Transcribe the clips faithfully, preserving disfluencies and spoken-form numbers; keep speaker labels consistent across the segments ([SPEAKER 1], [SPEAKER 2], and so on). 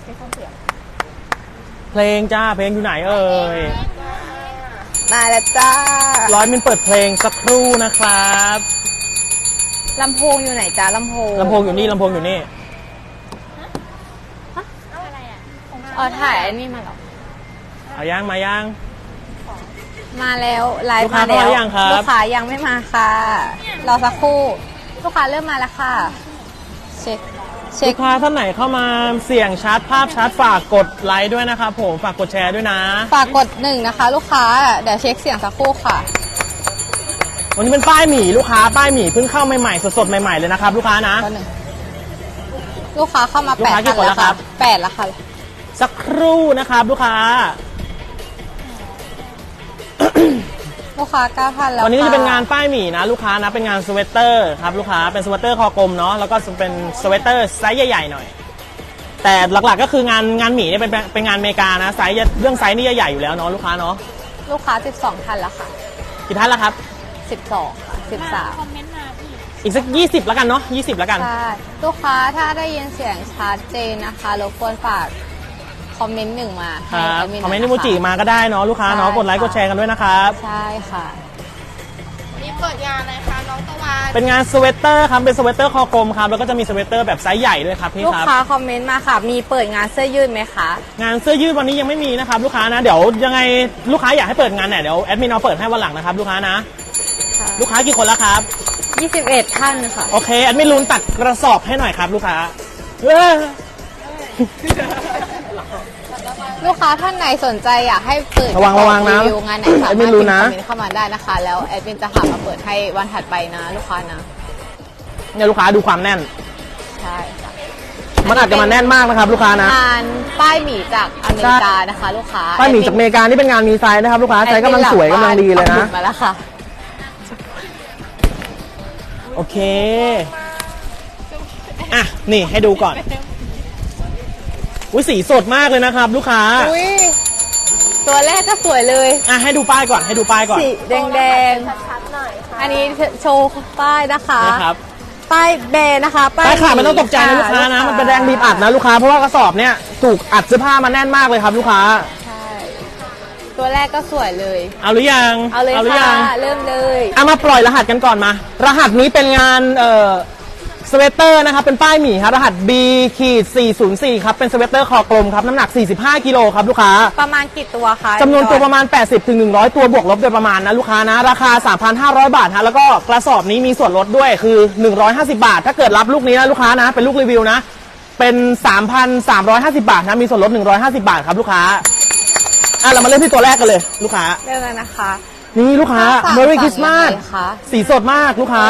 [SPEAKER 1] เพลงจ้าเพลงอยู่ไหนเอ่ย
[SPEAKER 2] มาแล้วจ้า
[SPEAKER 1] ร้อยมินเปิดเพลงสักครู่นะครับ
[SPEAKER 2] ลำโพงอยู่ไหนจ้าลำโพง
[SPEAKER 1] ลำโพงอยู่นี่ลำโพงอยู่นี่
[SPEAKER 2] อ๋อถ่ายอันนี้มาหรอ
[SPEAKER 1] เอาย่างมาย่าง
[SPEAKER 2] มาแล้วไลฟ์มาแล้วลูกค้ายังไม่มาค่ะรอสักครู่ลูกค้าเริ่มมาแล้วค่ะเช็ค
[SPEAKER 1] ลูกค้าท่านไหนเข้ามาเสี่ยงชาร์จภาพชาร์จฝากกดไลค์ด้วยนะครับผมฝากกดแชร์ด้วยนะ
[SPEAKER 2] ฝากกดหนึ่งนะคะลูกค้าเดี๋ยวเช็คเสียงสักครู่ค่ะ
[SPEAKER 1] วันนี้เป็นป้ายหมี่ลูกค้าป้ายหมี่เพิ่งเข้าใหม่ๆสดๆใหม่ๆเลยนะครับลูกค้านะ
[SPEAKER 2] ลูกค้าเข้ามาแปดแล้วครับแปดแล้วค่ะ
[SPEAKER 1] สักครู่นะครับลูกค้า
[SPEAKER 2] ลูกค้าเก้าพันแล้ว
[SPEAKER 1] วันนี้จะเป็นงานป้ายหมี่นะลูกค้านะเป็นงานสเวตเตอร์ครับลูกค้าเป็นสเวตเตอร์คอกลมเนาะแล้วก็เป็นสเวตเตอร์ไซส์ใหญ่ๆหน่อยแต่หลักๆก็คืองานงานหมี่เนี่ยเป็นเป็นงานอเมริกานะไซส์เรื่องไซส์นี่ใหญ่อยู่แล้วเนาะลูกค้าเนาะ
[SPEAKER 2] ลูกค้าสิบสองท่านแล้วค่ะ
[SPEAKER 1] กี่ท่านแล้วครับ
[SPEAKER 2] สิบสองค่ะสิบสามคอมเมนต์มาพี่
[SPEAKER 1] อีกสักยี่สิบแล้วกันเนาะยี่สิบแล้วกัน
[SPEAKER 2] ใช่ลูกค้าถ้าได้ยินเสียงชัดเจนนะคะรบกวนฝากคอมเมนต์หนึ่งมา
[SPEAKER 1] ครับคอมเมนต์นิโมจิมาก็ได้เนาะลูกค้าเนาะกดไลค์กดแชร์กันด้วยนะครับ
[SPEAKER 2] ใช่ค่ะ
[SPEAKER 3] นี่เปิดงานอะไรคะน้องตะวัน
[SPEAKER 1] เป็นงานสเวตเตอร์ครับเป็นสเวตเตอร์คอกลมครับแล้วก็จะมีสเวตเตอร์แบบไซส์ใหญ่ด้วยครับพี่ครับ
[SPEAKER 2] ลูกค้าคอมเมนต์มาค่ะมีเปิดงานเสื้อยืดไหมคะ
[SPEAKER 1] งานเสื้อยืดวันนี้ยังไม่มีนะครับลูกค้านะเดี๋ยวยังไงลูกค้าอยากให้เปิดงานเนี่ยเดี๋ยวแอดมินเอาเปิดให้วันหลังนะครับลูกค้านะลูกค้ากี่คนแล้วครับ
[SPEAKER 2] ยี่สิบเอ็ดท่านค่ะ
[SPEAKER 1] โอเคแอดมินลุ้นตัดกระสอบให้หน่อยครับลูกค้า
[SPEAKER 2] ลูกค้าท่านไหนสนใจอยากให้เปิด
[SPEAKER 1] ระวังระวังนะ
[SPEAKER 2] รีวิวงานไหนสามารถพิมพ์คอมเมนต์เข้ามาได้นะคะแล้วแอดมินจะหามาเปิดให้วันถัดไปนะลูกค้านะ
[SPEAKER 1] เนี่ยลูกค้าดูความแน่น
[SPEAKER 2] ใช่ค่ะ
[SPEAKER 1] มันอาจจะมาแน่นมากนะครับลูกค้านะ
[SPEAKER 2] งานป้ายหมี่จากอเมริกานะคะลูกค้า
[SPEAKER 1] ป้ายหมี่จากอเมริกานี่เป็นงานมีไซส์นะครับลูกค้าไซส์กำลังสวยกำลังดีเลยนะ
[SPEAKER 2] มาแล้วค่ะ
[SPEAKER 1] โอเคอ่ะนี่ให้ดูก่อนอุ้ยสีสดมากเลยนะครับลูกค้า
[SPEAKER 2] อุ้ยตัวแรกก็สวยเลย
[SPEAKER 1] อ่ะให้ดูป้ายก่อนให้ดูป้ายก่อน
[SPEAKER 2] สีแดงแดงชัดๆหน่อยค่ะอันนี้โชว์ป้ายนะคะ
[SPEAKER 1] นะครับ
[SPEAKER 2] ป้ายแบรนด์นะคะ
[SPEAKER 1] ป้ายขาดไม่ต้องตกใจนะลูกค้านะมันเป็นแดงบีบอัดนะลูกค้าเพราะว่ากระสอบเนี้ยถูกอัดเสื้อผ้ามาแน่นมากเลยครับลูกค้า
[SPEAKER 2] ใช่ตัวแรกก็สวยเลย
[SPEAKER 1] เอาหรือยัง
[SPEAKER 2] เอาเลยค่ะเริ่มเลย
[SPEAKER 1] เอามาปล่อยรหัสกันก่อนมารหัสนี้เป็นงานเอ่อสเวตเตอร์นะครับเป็นป้ายหมี่ครับรหัส บี สี่ศูนย์สี่ ครับเป็นสเวตเตอร์คอกลมครับน้ำหนักสี่สิบห้ากิโลครับลูกค้า
[SPEAKER 2] ประมาณกี่ตัวคะ
[SPEAKER 1] จำนวนตัวประมาณ แปดสิบถึงหนึ่งร้อย ตัวบวกลบโดยประมาณนะลูกค้านะราคา สามพันห้าร้อย บาทฮะแล้วก็กระสอบนี้มีส่วนลดด้วยคือหนึ่งร้อยห้าสิบบาทถ้าเกิดรับลูกนี้นะลูกค้านะเป็นลูกรีวิวนะเป็น สามพันสามร้อยห้าสิบบาทนะมีส่วนลดหนึ่งร้อยห้าสิบบาทครับลูกค้าอ่ะเรามาเริ่มที่ตัวแรกกันเลยลูกค้า
[SPEAKER 2] เริ่มเลยนะคะ
[SPEAKER 1] นี่ลูกค้า Merry Christmas สีสดมากลูกค้า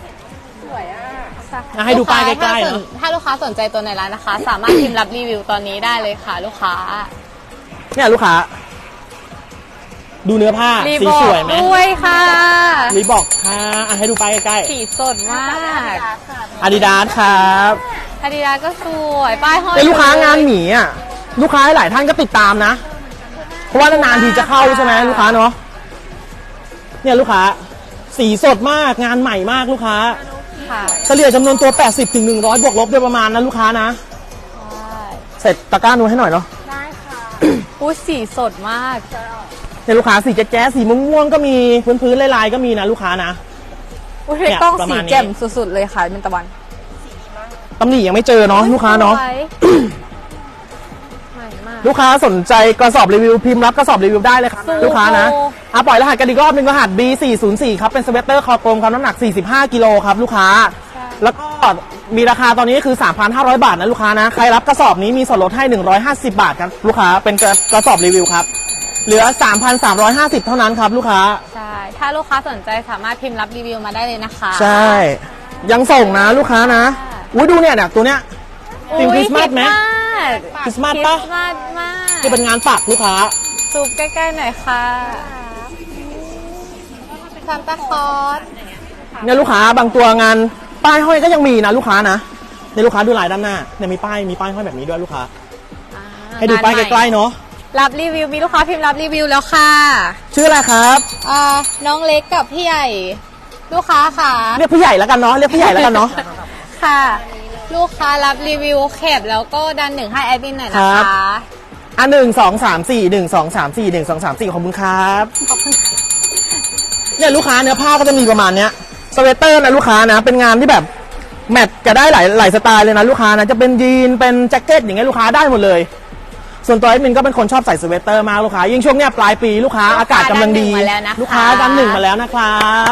[SPEAKER 1] ให้ดูป้ายใกล้ๆนะ
[SPEAKER 2] ถ้าลูกค้าสนใจตัวในร้านนะคะสามารถพิมพ์รับรีวิวตอนนี้ได้เลยค่ะลูกค้า
[SPEAKER 1] เนี่ยลูกค้าดูเนื้อผ้าสีสวยไหม
[SPEAKER 2] ด้วยค่ะ
[SPEAKER 1] รีบอกค่ะให้ดูป้ายใกล้
[SPEAKER 2] ๆสีสดมาก
[SPEAKER 1] อาดิดาสครับ
[SPEAKER 2] อาดิดาสก็สวยป้ายห้อย
[SPEAKER 1] เป็นลูกค้างานหมีอ่ะลูกค้าหลายท่านก็ติดตามนะเพราะว่านานๆทีจะเข้าใช่ไหมลูกค้าเนาะเนี่ยลูกค้าสีสดมากงานใหม่มากลูกค้าเฉลี่ยจำนวนตัว แปดสิบถึงหนึ่งร้อย บวกลบโดยประมาณนะลูกค้านะเสร็จตะกร้านูให้หน่อยเนาะ
[SPEAKER 2] ได้ค่ะอุ้ยสีสดมาก
[SPEAKER 1] เนี่ยลูกค้าสีแจ๊สสีม่วงๆก็มีพื้นๆลายๆก็มีนะลูกค้านะ
[SPEAKER 2] อุ้ยกล้องสีแจ่มสุดๆเลยค่ะเป็นตะวัน
[SPEAKER 1] ตำหนิยังไม่เจอเนาะลูกค้าเนาะลูกค้าสนใจกระสอบรีวิวพิมพ์รับกระสอบรีวิวได้เลยครับลูกค้านะอ่ะปล่อยรหัสกันอีกรอบหนึ่งรหัส บี สี่ศูนย์สี่ ครับเป็นสเวตเตอร์คอกลมครับน้ำหนักสี่สิบห้ากิโลครับลูกค้าแล้วก็มีราคาตอนนี้คือ สามพันห้าร้อย บาทนะลูกค้านะใครรับกระสอบนี้มีส่วนลดให้หนึ่งร้อยห้าสิบบาทครับลูกค้าเป็นกระสอบรีวิวครับเหลือ สามพันสามร้อยห้าสิบ เท่านั้นครับลูกค้า
[SPEAKER 2] ใช่ถ้าลูกค้าสนใจสามารถพิมพ์รับรีวิวมาได้เลยนะคะ
[SPEAKER 1] ใช่ยังส่งนะลูกค้านะอุ้ยดูเนี่ยเนี่ยตัวเนี้ย
[SPEAKER 2] ธีมคริสต์มาส
[SPEAKER 1] ไหมคริสต์มาสปะที่เป็นงานปักลูกค้า
[SPEAKER 2] ซูมใกล้ๆหน่อยค่ะซานตาคลอส
[SPEAKER 1] เนี่ยลูกค้าบางตัวงานป้ายห้อยก็ยังมีนะลูกค้านะในลูกค้าดูลายด้านหน้าเนี่ยมีป้ายมีป้ายห้อยแบบนี้ด้วยลูกค้าให้ดูป้ายใกล้ๆเนาะ
[SPEAKER 2] รับรีวิวมีลูกค้าพิมพ์รับรีวิวแล้วค่ะ
[SPEAKER 1] ชื่ออะไรครับ
[SPEAKER 2] อ่าน้องเล็กกับพี่ใหญ่ลูกค้าค่ะ
[SPEAKER 1] เรียกพี่ใหญ่แล้วกันเนาะเรียกพี่ใหญ่แล้วกันเนาะ
[SPEAKER 2] ค่ะลูกค้ารับรีวิวแคปแล้วก็ดันหนึ่งให้แอดมินหน่อยนะ
[SPEAKER 1] ครั
[SPEAKER 2] คะ
[SPEAKER 1] บ อ่ะหนึ่งสองสามสี่หนึ่งสองสามสี่หนึ่งสองสามสี่ขอบคุณครับ
[SPEAKER 2] ขอบคุณ
[SPEAKER 1] เนี่ยลูกค้าเนื้อผ้าก็จะมีประมาณเนี้ยสเวตเตอร์นะลูกค้านะเป็นงานที่แบบแมทจะได้หลายหลายสไตล์เลยนะลูกค้านะจะเป็นยีนเป็นแจ็คเก็ตอย่างเงี้ยลูกค้าได้หมดเลย ส่วนตัวแอดมินก็เป็นคนชอบใส่สเวตเตอร์มากลูกค้ายิ่งช่วงเนี้ยปลายปีลูกค้าอากาศกำลังดีลูกค้าดันหนึ่งมาแล้วนะครับ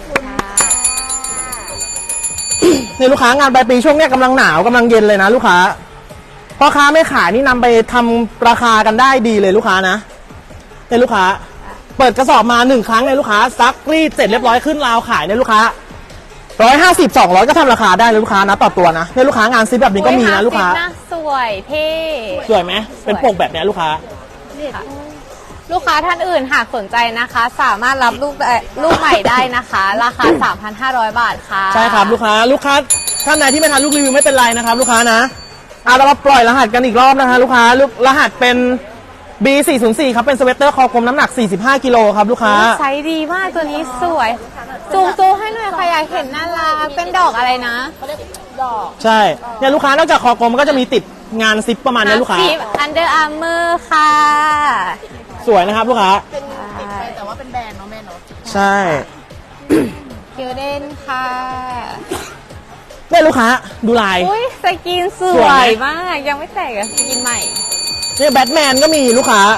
[SPEAKER 1] เนี่ยลูกค้างานปลายปีช่วงเนี้ยกำลังหนาวกำลังเย็นเลยนะลูกค้าพ่อค้าไม่ขายนี่นำไปทำราคากันได้ดีเลยลูกค้านะเนี่ยลูกค้าเปิดกระสอบมาหนึ่งครั้งเนี่ยลูกค้าซักรีดเสร็จเรียบร้อยขึ้นราวขายเนี่ยลูกค้าร้อยห้าสิบสองร้อยก็ทำราคาได้เลยลูกค้านะต่อตัวนะเนี่ยลูกค้างานซิปแบบนี้ก็มีนะลูกค้า
[SPEAKER 2] อุ๊ยหสิบสวยเท่
[SPEAKER 1] สวยไหมเป็นปกแบบเนี้ยลูกค้า
[SPEAKER 2] ลูกค้าท่านอื่นหากสนใจนะคะ สามารถรับลูกได้ลูกใหม่ได้นะคะ ราคา สามพันห้าร้อย บาทค่ะ
[SPEAKER 1] ใช่ครับลูกค้าลูกค้าท่านไหนที่ไม่ทันลูกรีวิวไม่เป็นไรนะครับลูกค้านะอ่ะเรามาปล่อยรหัสกันอีกรอบนะคะลูกค้าลูกรหัสเป็น บี สี่ศูนย์สี่ ครับเป็นสเวตเตอร์คอกลมน้ำหนักสี่สิบห้ากิโลครับลูกค้า
[SPEAKER 2] ไซส์ดีมากตัวนี้สวยซูมซูมให้หน่อยค่ะอยากเห็นน่ารักเป็นดอกอะไรนะ
[SPEAKER 1] ใช่เนี่ยลูกค้านอกจากคอกลมมันก็จะมีติดงานซิปประมาณนี้ลูกค้า
[SPEAKER 2] อันเดอร์อาร์เมอร์ค่ะ
[SPEAKER 1] สวยนะครับลูกค้า
[SPEAKER 3] เป็นติดไปแต่ว่าเป็นแบรนด์เนาะแม่เนาะ
[SPEAKER 1] ใช่
[SPEAKER 2] คิวเดนค่ะ
[SPEAKER 1] เนี่ยลูกค้าดูลาย
[SPEAKER 2] อุ้ยสกินส
[SPEAKER 1] ส
[SPEAKER 2] ว
[SPEAKER 1] วย
[SPEAKER 2] ย
[SPEAKER 1] ไหม
[SPEAKER 2] มากยังไม่แตกอะสกินใหม่
[SPEAKER 1] เนี่ยแบทแมนก็มีลูกค้า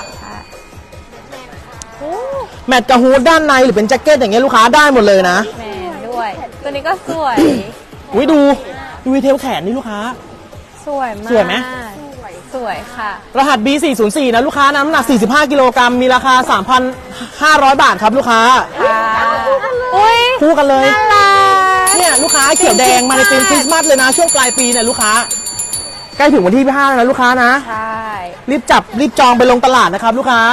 [SPEAKER 2] โอ้
[SPEAKER 1] แมทกับฮูดด้านในหรือเป็นแจ็คเก็ตอย่างเงี้ยลูกค้าได้หมดเลยนะ
[SPEAKER 2] แมนด้วย ตัวนี้ก็สวย
[SPEAKER 1] อุ้ยดูดูดีเทลแขนนี่ลูกค้า
[SPEAKER 2] สวยมาก
[SPEAKER 1] สวยไหม
[SPEAKER 2] สวยค่ะ
[SPEAKER 1] รหัส บี สี่ศูนย์สี่ นะลูกค้าน้ำหนักสี่สิบห้ากิโลกรัมมีราคา สามพันห้าร้อย บาทครับลูกค้า
[SPEAKER 2] ค่ะอุ้ย
[SPEAKER 1] คู่กันเลย
[SPEAKER 2] น่ารัก
[SPEAKER 1] เนี่ยลูกค้าเขียวแดงมาในธีมคริสต์มาสเลยนะช่วงปลายปีเนี่ยลูกค้าใกล้ถึงวันที่ห้าแล้วนะลูกค้านะ
[SPEAKER 2] ใช่
[SPEAKER 1] รีบจับรีบจองไปลงตลาดนะครับลูกค้า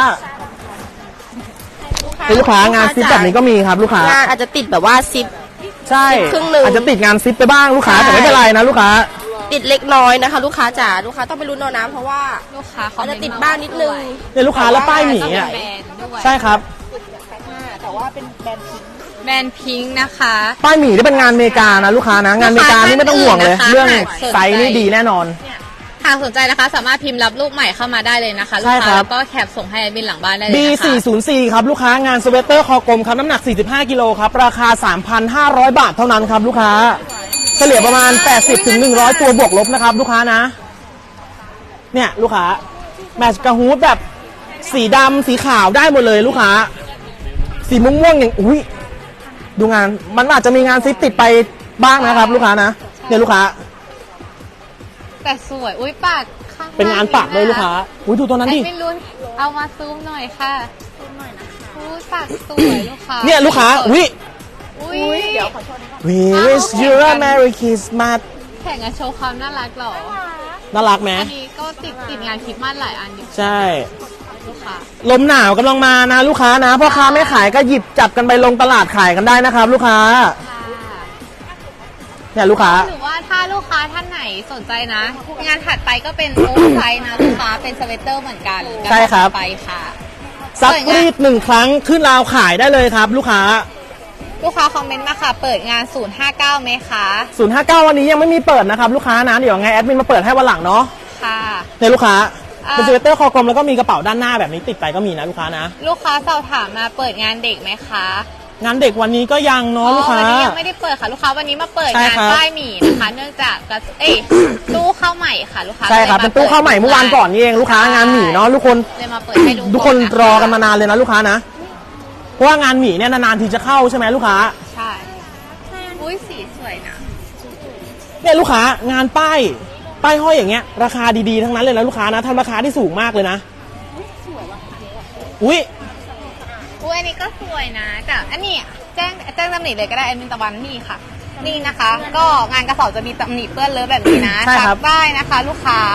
[SPEAKER 1] เป็นลูกค้างานซิปแบบนี้ก็มีครับลูกค้าง
[SPEAKER 3] านอาจจะติดแบบว่าซิป
[SPEAKER 1] ใช่
[SPEAKER 3] ครึ่งหนึ่ง
[SPEAKER 1] อาจจะติดงานซิปไปบ้างลูกค้า
[SPEAKER 3] ใช่
[SPEAKER 1] แต่ไม่เป็นไรนะลูกค้า
[SPEAKER 3] ติดเล็กน้อยนะคะ ลูกค้าจ๋าลูกค้าต้องไปลุ้นเอานะเพราะว่า
[SPEAKER 2] ลูกค้าเขา
[SPEAKER 3] อาจจะติดบ้างนิดนึง
[SPEAKER 1] เนี่ยลูกค้าแล้วป้ายหมีอ่ะ
[SPEAKER 2] แบรนด์ด้วย
[SPEAKER 1] ใช่ครับ
[SPEAKER 3] แต่ว่าเป็นแบรนด์พิงค์
[SPEAKER 2] แบรนด์พิงค์นะคะ
[SPEAKER 1] ป้ายหมีที่เป็นงานอเมริกานะลูกค้านะงานอเมริกานี่ไม่ต้องห่วงเลย
[SPEAKER 2] ลูกค้า
[SPEAKER 1] เรื่อง
[SPEAKER 2] ท่านอื่นนะคะ
[SPEAKER 1] ไซส์นี่ดีแน่นอน
[SPEAKER 2] หากสนใจนะคะ สามารถพิมพ์รับลูกใหม่เข้ามาได้เลยนะคะลู
[SPEAKER 1] ใช่
[SPEAKER 2] ก
[SPEAKER 1] ครั
[SPEAKER 2] ค้า
[SPEAKER 1] บ
[SPEAKER 2] แล้วก็แคปส่งให้แอดมินหลังบ้านได้เลย
[SPEAKER 1] บี
[SPEAKER 2] นะคะ
[SPEAKER 1] สี่ศูนย์สี่ ครับลูกค้างานสเวตเตอร์คอกลมครับน้ำหนักสี่สิบห้ากิโลครับราคา สามพันห้าร้อย บาทเท่านั้นครับลูกค้าเฉลี่ยประมาณ แปดสิบถึงหนึ่งร้อย ตัวบวกลบนะครับลูกค้านะเนี่ยลูกค้าแมทช์กับฮูดแบบสีดำสีขาวได้หมดเลยลูกค้าสีม่วงๆอย่างอุ้ยดูงานมันอาจจะมีงานซิปติดไปบ้างนะครับลูกค้านะเนี่ยลูกค้า
[SPEAKER 2] แต่สวย อุ้ยปากข้าง
[SPEAKER 1] เป็นงานปากเลยลูกค้าอุ้ยดูตัวนั้น
[SPEAKER 2] แอ
[SPEAKER 1] ดิ
[SPEAKER 2] ดมินลุ้นเอามาซูมหน่อยค่ะซูมหน่อยนะคะอุ้ยปากสวยลูกค้า
[SPEAKER 1] เนี่ยลูกค้าอุ้ย
[SPEAKER 2] อุ้ยเดี๋ยวขอโทษ
[SPEAKER 1] We wish you a Merry Christmas
[SPEAKER 2] แข่งกันโชว์ความน่ารักเหรอ
[SPEAKER 1] น่ารักไหม
[SPEAKER 2] อันนี้ก็ติดติดงานคริสต์มาสหลายอันอยู่
[SPEAKER 1] ใช่
[SPEAKER 2] ลูกค้า
[SPEAKER 1] ลมหนาวกำลังมานะลูกค้านะพ่อค้าไม่ขายก็หยิบจับกันไปลงตลาดขายกันได้นะครับ ลูกค้า
[SPEAKER 2] ค่ะ
[SPEAKER 1] เนี่ยลูกค้า
[SPEAKER 2] หรือว่าถ้าลูกค้าท่านไหนสนใจนะ งานถัดไปก็เป็นโอเวอร์ไซส์นะลูกค้าเป็นสเวตเตอร์เหมือนกัน
[SPEAKER 1] ใช่ครับ
[SPEAKER 2] ไปค่ะ
[SPEAKER 1] ซักรีดหนึ่งครั้งขึ้นราวขายได้เลยครับ ลูกค้า
[SPEAKER 2] ลูกค้าคอมเมนต์มาค่ะ เปิดงาน ศูนย์ห้าเก้าไหมคะ
[SPEAKER 1] ศูนย์ห้าเก้า วันนี้ยังไม่มีเปิดนะครับลูกค้านะเดี๋ยวไงแอดมินมาเปิดให้วันหลังเนาะ
[SPEAKER 2] ค่ะ
[SPEAKER 1] เนี่ยลูกค้า
[SPEAKER 2] อ่า
[SPEAKER 1] เป็นสเวตเตอร์คอกลมแล้วก็มีกระเป๋าด้านหน้าแบบนี้ติดไปก็มีนะลูกค้านะ
[SPEAKER 2] ลูกค้าสอบถามมาเปิดงานเด็กไหมคะ
[SPEAKER 1] งานเด็กวันนี้ก็ยังเนาะลูกค้า
[SPEAKER 2] วันนี้ยังไม่ได้เปิดค่ะ ลูกค้าวันนี้มาเปิด
[SPEAKER 1] ใช่
[SPEAKER 2] งาน
[SPEAKER 1] ครับ
[SPEAKER 2] ป้ายหมี่นะคะ เนื่องจากกระเอ้ยตู้เข้าใหม่ค่ะ ลูกค้า
[SPEAKER 1] ใช่ครับ
[SPEAKER 2] ลย
[SPEAKER 1] เป็นตู้เข้าใหม่เมื่อวานก่อนนี่เองลูกค้างานหมี่เนาะทุกคน
[SPEAKER 2] เลยมาเปิดให้ดู
[SPEAKER 1] ทุกคน
[SPEAKER 2] ก่ะะ
[SPEAKER 1] รอกันมานานเลยนะลูกค้านะเพราะว่างานหมี่เนี่ยนานๆทีจะเข้าใช่ไหมลูกค้า
[SPEAKER 2] ใช่อุ้ยสีสวยนะ
[SPEAKER 1] เนี่ยลูกค้างานป้ายป้ายห้อยอย่างเงี้ยราคาดีๆทั้งนั้นเลยนะลูกค้านะทำราคาที่สูงมากเลยนะอุ้ย
[SPEAKER 2] อุ้ยอันนี้ก็สวยนะแต่อันนี้แจ้งแจ้งตำหนิเลยก็ได้แอดมินตะวันนี่ค่ะ นี่นะคะ ก็งานกระสอบจะมีตำหนิเปื้อนเลอะแบบนี้นะ
[SPEAKER 1] ใช่ครับ
[SPEAKER 2] ซักได้นะคะ ลูกค้าร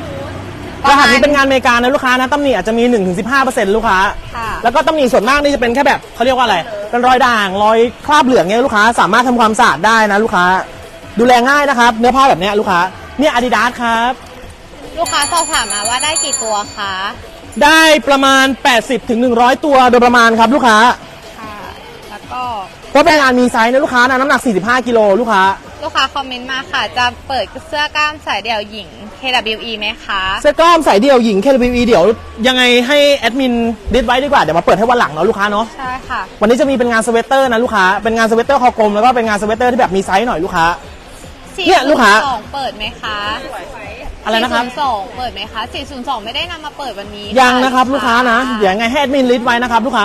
[SPEAKER 1] หัสนี้เป็นงานอเมริกานะลูกค้านะตำหนิอาจจะมี หนึ่งถึงสิบห้าเปอร์เซ็นต์ ลูกค้า
[SPEAKER 2] ค่ะ
[SPEAKER 1] แล้วก็ตำหนิส่วนมากนี่จะเป็นแค่แบบเขาเรียกว่าอะไรเป็นรอยด่างรอยคราบเหลืองเงี้ยลูกค้าสามารถทำความสะอาดได้นะลูกค้าดูแลง่ายนะครับเนื้อผ้าแบบเนี้ยลูกค้าเนี่ยอาดิดาสครับ
[SPEAKER 2] ลูกค้าสอบถามมาว่าได้กี่ตัวคะ
[SPEAKER 1] ได้ประมาณ แปดสิบถึงหนึ่งร้อย ตัวโดยประมาณครับลูกค้า
[SPEAKER 2] ค่ะ แล้วก็
[SPEAKER 1] เพราะเป็นงานมีไซส์นะลูกค้านะน้ำหนักสี่สิบห้ากิโลลูกค้า
[SPEAKER 2] ลูกค้าคอมเมนต์มาค่ะ จะเปิดเสื้อกล้ามสายเดี่ยวหญิง เค ดับเบิลยู อี ไหมคะ
[SPEAKER 1] เสื้อกล้ามสายเดี่ยวหญิง เค ดับเบิลยู อี เดี๋ยวยังไงให้แอดมินดิสไว้ดีกว่าเดี๋ยวมาเปิดให้วันหลังเนาะลูกค้าเนาะ
[SPEAKER 2] ใช่ค่ะ
[SPEAKER 1] วันนี้จะมีเป็นงานสเวตเตอร์นะลูกค้าเป็นงานสเวตเตอร์คอกลมแล้วก็เป็นงานสเวตเตอร์ที่แบบมีไซส์หน่อยลูกค้า เนี่ยลูกค้า
[SPEAKER 2] สี่ศูนย์สองเปิดไหมคะ
[SPEAKER 1] อะไรนะครับ
[SPEAKER 2] สี่ศูนย์สองเปิดไหมคะสี่ศูนย์สองไม่ได้นำมาเปิดวันนี้
[SPEAKER 1] ยังนะครับลูกค้านะเดี๋ยวยังไงให้แอดมินลิสต์ไว้นะครับลูกค้า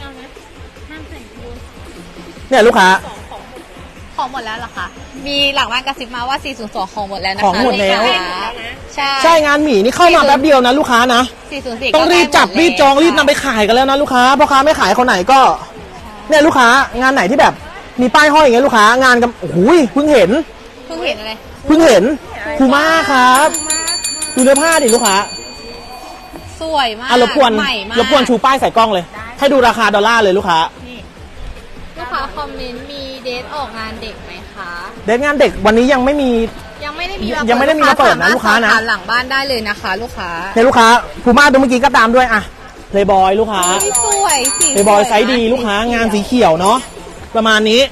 [SPEAKER 1] เนี่ยลูกค้า
[SPEAKER 2] ของหมดแล้วเหรอคะมีหลังบ้านกระซิบมาว่าสี่ศูนย์สองของหมดแล้วนะคะ
[SPEAKER 1] ของหมดแล้ว
[SPEAKER 2] ลูกค้าใช่
[SPEAKER 1] ใช่งานหมีนี่เข้ามาแป๊บเดียวนะลูกค้านะ
[SPEAKER 2] สี่ศูนย์สี่
[SPEAKER 1] ต้องรีบจับรีบจองรีบนำไปขายกันแล้วนะลูกค้าพ่อค้าไม่ขายคนไหนก็เนี่ยลูกค้างานไหนที่แบบมีป้ายห้อยอย่างเงี้ยลูกค้างานกันโอ้โหเพิ่งเห็น
[SPEAKER 2] เพิ่งเห็นอะไร
[SPEAKER 1] เพิ่งเห็นคูม่าครับดูเนื้อผ้าดิลูกค้า
[SPEAKER 2] สวยมาก
[SPEAKER 1] อ่ะรบกวน
[SPEAKER 2] ใหม่มาก
[SPEAKER 1] รบกวนชูป้ายใส่กล้องเลย ให้ดูราคาดอลลาร์เลยลูกค้า
[SPEAKER 2] ลูกค้าคอมเมนต์มีเดทออกงานเด็กไหมคะ
[SPEAKER 1] เดทงานเด็กวันนี้ยังไม่มี
[SPEAKER 2] ยังไม่ได้มี
[SPEAKER 1] ยังไม่ได้มีมาเปิดนะลูกค้านะ
[SPEAKER 2] สมรถสอบถมหลังบ้านได้เลยนะคะ ลูกค้า
[SPEAKER 1] เนี่ยลูกค้าคูม่าตัวเมื่อกี้ก็ตามด้วยอะเพลย์บอยลูกค้า
[SPEAKER 2] อุ๊ยสวยสี
[SPEAKER 1] เพลย์บอยไซส์ดีลูกค้างานสีเขียวเนาะประมาณนี้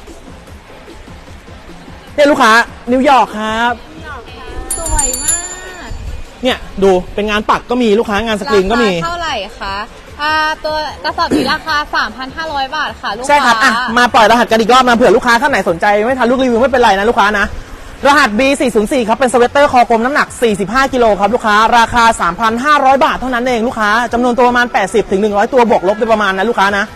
[SPEAKER 1] เนี่ยลูกค้านิวยอร์กครับ
[SPEAKER 2] สวยมาก
[SPEAKER 1] เนี่ยดูเป็นงานปักก็มีลูกค้างานสกรีนก็มี
[SPEAKER 2] ราคาเท่าไหร่คะอ่าตัวกระสอบนี้ราคา สามพันห้าร้อย บาทค่ะลูกค้า
[SPEAKER 1] ใช่ครับอ่ะมาปล่อยรหัสกันอีกรอบนะเผื่อลูกค้าท่านไหนสนใจไม่ทันลูกรีวิวไม่เป็นไรนะลูกค้านะรหัส บี สี่ศูนย์สี่ ครับเป็นสเวตเตอร์คอกลมน้ำหนักสี่สิบห้ากิโลครับลูกค้าราคา สามพันห้าร้อย บาทเท่านั้นเองลูกค้าจำนวนตัวประมาณแปดสิบถึงหนึ่งร้อยตัวบวกลบโดยประมาณนะลูกค้านะ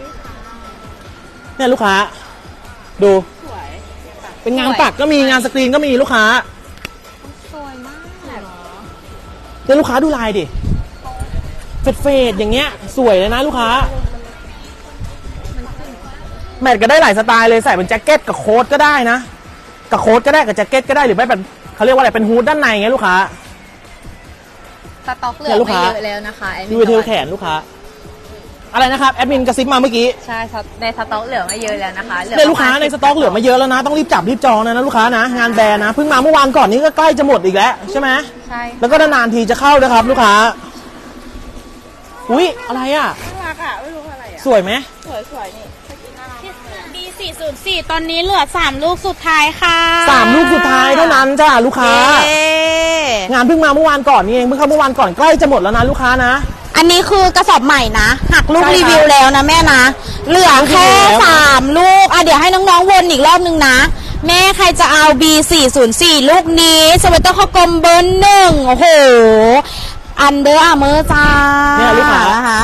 [SPEAKER 1] เนี่ยลูกค้าดูเป็นงานปักก็มีงานสกรีนก็มีลูกค้า
[SPEAKER 2] สวยมาก
[SPEAKER 1] เนี่ยลูกค้าดูลายดิเฟดเฟดอย่างเงี้ยสวยเลยนะลูกค้าแมทก็ได้หลายสไตล์เลยใส่เป็นแจ็คเก็ตกับโค้ทก็ได้นะกับโค้ทก็ได้กับแจ็คเก็ตก็ได้หรือไม่เป็นเขาเรียกว่าอะไรเป็นฮูดด้านในเงี้ยลูกค้า
[SPEAKER 2] สต็อกเหลื
[SPEAKER 1] เนี่
[SPEAKER 2] อย
[SPEAKER 1] ลูก
[SPEAKER 2] ไม่
[SPEAKER 1] ค้า
[SPEAKER 2] เยอะแล้วนะคะแอดมิ
[SPEAKER 1] ดู
[SPEAKER 2] น
[SPEAKER 1] เทลแขนลูกค้าอะไรนะครับแอดมินกระซิบมาเมื่อกี้
[SPEAKER 2] ใช่ในสต็อกเหลือไม่เยอะแล้วนะคะ
[SPEAKER 1] เนี่ยลูกค้าในสต็อกเหลือมาเยอะแล้วนะต้องรีบจับรีบจองนะนะลูกค้านะงานแบรนด์นะเพิ่งมาเมื่อวานก่อนนี้ก็ใกล้จะหมดอีกแล้วใช่ไหม
[SPEAKER 2] ใช่
[SPEAKER 1] แล้วก็นานๆทีจะเข้านะครับลูกค้าอุ๊ยอะไรอ่ะ
[SPEAKER 3] น่ารักอ่ะ ไม่รู้อะไรอ่ะ
[SPEAKER 1] สวยไหม
[SPEAKER 3] สวยสวยๆนี่สกินน่ารัก
[SPEAKER 4] บี สี่ศูนย์สี่ ตอนนี้เหลือสามลูกสุดท้ายค่ะ
[SPEAKER 1] สามลูกสุดท้ายเท่านั้นจ้าลูกค้า
[SPEAKER 4] เย้
[SPEAKER 1] งานเพิ่งมาเมื่อวานก่อนนี่เองเพิ่งเข้าเมื่อวานก่อนใกล้จะหมดแล้วนะลูกค้านะ
[SPEAKER 4] อันนี้คือกระสอบใหม่นะ หักลูก
[SPEAKER 1] ใช่ครับ
[SPEAKER 4] รีวิวแล้วนะแม่นะ เหลือแค่
[SPEAKER 1] รีวิวแล้ว
[SPEAKER 4] สามลูก อ่ะเดี๋ยวให้น้องๆวนอีกรอบนึงนะ แม่ใครจะเอา บี สี่ศูนย์สี่ ลูกนี้สเวตเตอร์ข้อกลมเบอร์หนึ่งโอ้โห อันเดอร์อาร์เมอร์จ้า
[SPEAKER 1] เนี่ยลูกค้า
[SPEAKER 4] นะคะ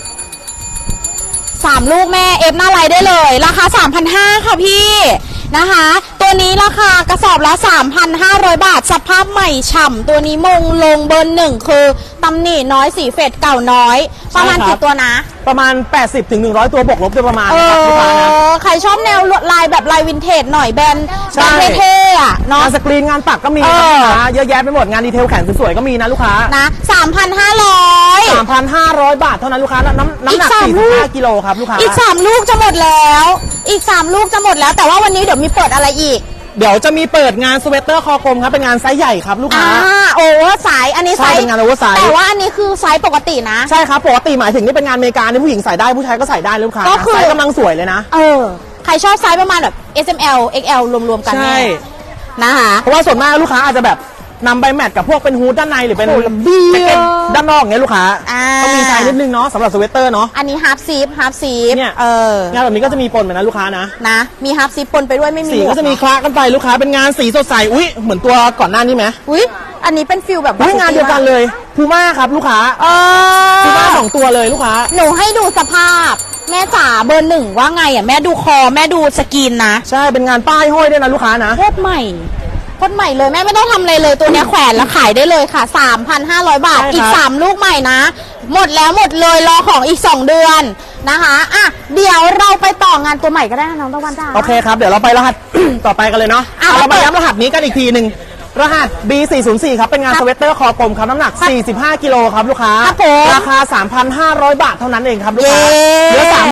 [SPEAKER 4] สามลูกแม่เอฟหน้าไลน์ได้เลย ราคา สามพันห้าร้อย ค่ะพี่นะคะ ตัวนี้ราคากระสอบละ สามพันห้าร้อย บาท สภาพใหม่ฉ่ำตัวนี้มงลงเบอร์หนึ่งคือตำหนิน้อยสีเฟดเก่าน้อย ประมาณ
[SPEAKER 1] ใช่ครับ
[SPEAKER 4] กี่ตัวนะ
[SPEAKER 1] ประมาณ แปดสิบถึงหนึ่งร้อย ตัวบวกลบโดยประมาณ
[SPEAKER 4] เอ
[SPEAKER 1] นะครับลูกค้านะ
[SPEAKER 4] อ ใครชอบแนวลวดลายแบบลายวินเทจหน่อยแบรนด์
[SPEAKER 1] ใช่
[SPEAKER 4] แบรนด์เท่ๆอ่ะเนาะ
[SPEAKER 1] งานสกรีนงานปักก็มี
[SPEAKER 4] เอ
[SPEAKER 1] นะ
[SPEAKER 4] อ
[SPEAKER 1] ลูกค้าเยอะแยะไปหมดงานดีเทลแขนสวยๆก็มีนะลูกค้า
[SPEAKER 4] นะ สามพันห้าร้อย
[SPEAKER 1] สามพันห้าร้อย บาทเท่านั้นลูกค้าน้ำน้ำน้ำหนัก
[SPEAKER 4] อีกสาม
[SPEAKER 1] สี่
[SPEAKER 4] ลู
[SPEAKER 1] สิบ
[SPEAKER 4] ก
[SPEAKER 1] ห้ากิโลครับลูกค้า
[SPEAKER 4] อีกสามลูกจะหมดแล้ว อีกสามลูกจะหมดแล้ว แต่ว่าวันนี้เดี๋ยวมีเปิดอะไรอีก
[SPEAKER 1] เดี๋ยวจะมีเปิดงานสเวตเตอร์คอกลมครับเป็นงานไซส์ใหญ่ครับลูก
[SPEAKER 4] อ่า
[SPEAKER 1] ค้า
[SPEAKER 4] โอเวอร์ไซส์อันนี้
[SPEAKER 1] ใช่
[SPEAKER 4] ไซส์
[SPEAKER 1] เป็นงาน oversize
[SPEAKER 4] แต่ว่าอันนี้คือไซส์ปกตินะ
[SPEAKER 1] ใช่ครับปกติหมายถึงนี่เป็นงานอเมริกาที่ผู้หญิงใส่ได้ผู้ชายก็ใส่ได้ลูกค้า
[SPEAKER 4] ก็คือ
[SPEAKER 1] ไซส์กำลังสวยเลยนะ
[SPEAKER 4] เออ ใครชอบไซส์ประมาณแบบ เอส เอ็ม แอล เอ็กซ์ แอล รวมๆกัน
[SPEAKER 1] ใช่
[SPEAKER 4] แม่นะคะ
[SPEAKER 1] เพราะว่าส่วนมากลูกค้าอาจจะแบบนำไปแมทกับพวกเป็นฮูดด้านในหรือเป็น
[SPEAKER 4] โอ้ระเบียบ
[SPEAKER 1] แจ็คเก็ตด้านนอกอย่างเงี้ยลูกค้า
[SPEAKER 4] อ่า
[SPEAKER 1] ต้องมีไซส์นิดนึงเนาะสำหรับสเวตเตอร์เนาะ
[SPEAKER 4] อันนี้ฮาร์ฟซีฟฮาร์ฟซีฟ
[SPEAKER 1] เนี่ย
[SPEAKER 4] เออ
[SPEAKER 1] งานแบบนี้ก็จะมีปนเหมือนนะลูกค้านะ
[SPEAKER 4] นะ มีฮาร์ฟซีฟปนไปด้วยไม่มี
[SPEAKER 1] สี
[SPEAKER 4] หว
[SPEAKER 1] ก็จะมีค
[SPEAKER 4] เนอ
[SPEAKER 1] ละกันไปลูกค้าเป็นงานสีสดใสอุ้ยเหมือนตัวก่อนหน้านี้ไหม
[SPEAKER 4] อุ๊ย อันนี้เป็นฟิลแบบ
[SPEAKER 1] อุ้ยงานเดียวกันเลยพูม่าครับลูกค้า
[SPEAKER 4] เอ
[SPEAKER 1] พูม่า
[SPEAKER 4] อ
[SPEAKER 1] สองตัวเลยลูกค้า
[SPEAKER 4] หนูให้ดูสภาพ แม่จ๋าเบอร์หนึ่งว่าไงอ่ะ แม่ดูคอ แม่ดูสกรีนนะ
[SPEAKER 1] ใช่เป็นงานป้ายห้อยด้วยนะลูกค้านะ
[SPEAKER 4] โคตรใหม่โคตรใหม่เลยแม่ไม่ต้องทำอะไรเลยตัวเนี้ยแขวนแล้วขายได้เลยค่ะ สามพันห้าร้อย บาท
[SPEAKER 1] ใช่ครับ
[SPEAKER 4] อีก สาม ลูกใหม่นะ หมดแล้วหมดเลยรอของอีก สอง เดือนนะคะอ่ะเดี๋ยวเราไปต่องานตัวใหม่ก็ได้นะน้องตะวันจ้า
[SPEAKER 1] โอเคครับเดี๋ยวเราไปรหัส ต่อไปกันเลยเนาะ
[SPEAKER 4] อ่ะ
[SPEAKER 1] เอาเรามา
[SPEAKER 4] เปิด
[SPEAKER 1] ย้ำรหัสนี้กันอีกทีหนึ่งรหัส บี สี่ศูนย์สี่ ครับเป็นงาน
[SPEAKER 4] ครับ
[SPEAKER 1] สเวตเตอร์คอกลมครับน้ำหนัก สี่สิบห้า กิโลครับลูกค้า
[SPEAKER 4] ครับผม
[SPEAKER 1] ราคา สามพันห้าร้อย บาทเท่านั้นเองครับลูกค้า
[SPEAKER 4] เย้
[SPEAKER 1] เหลือสาม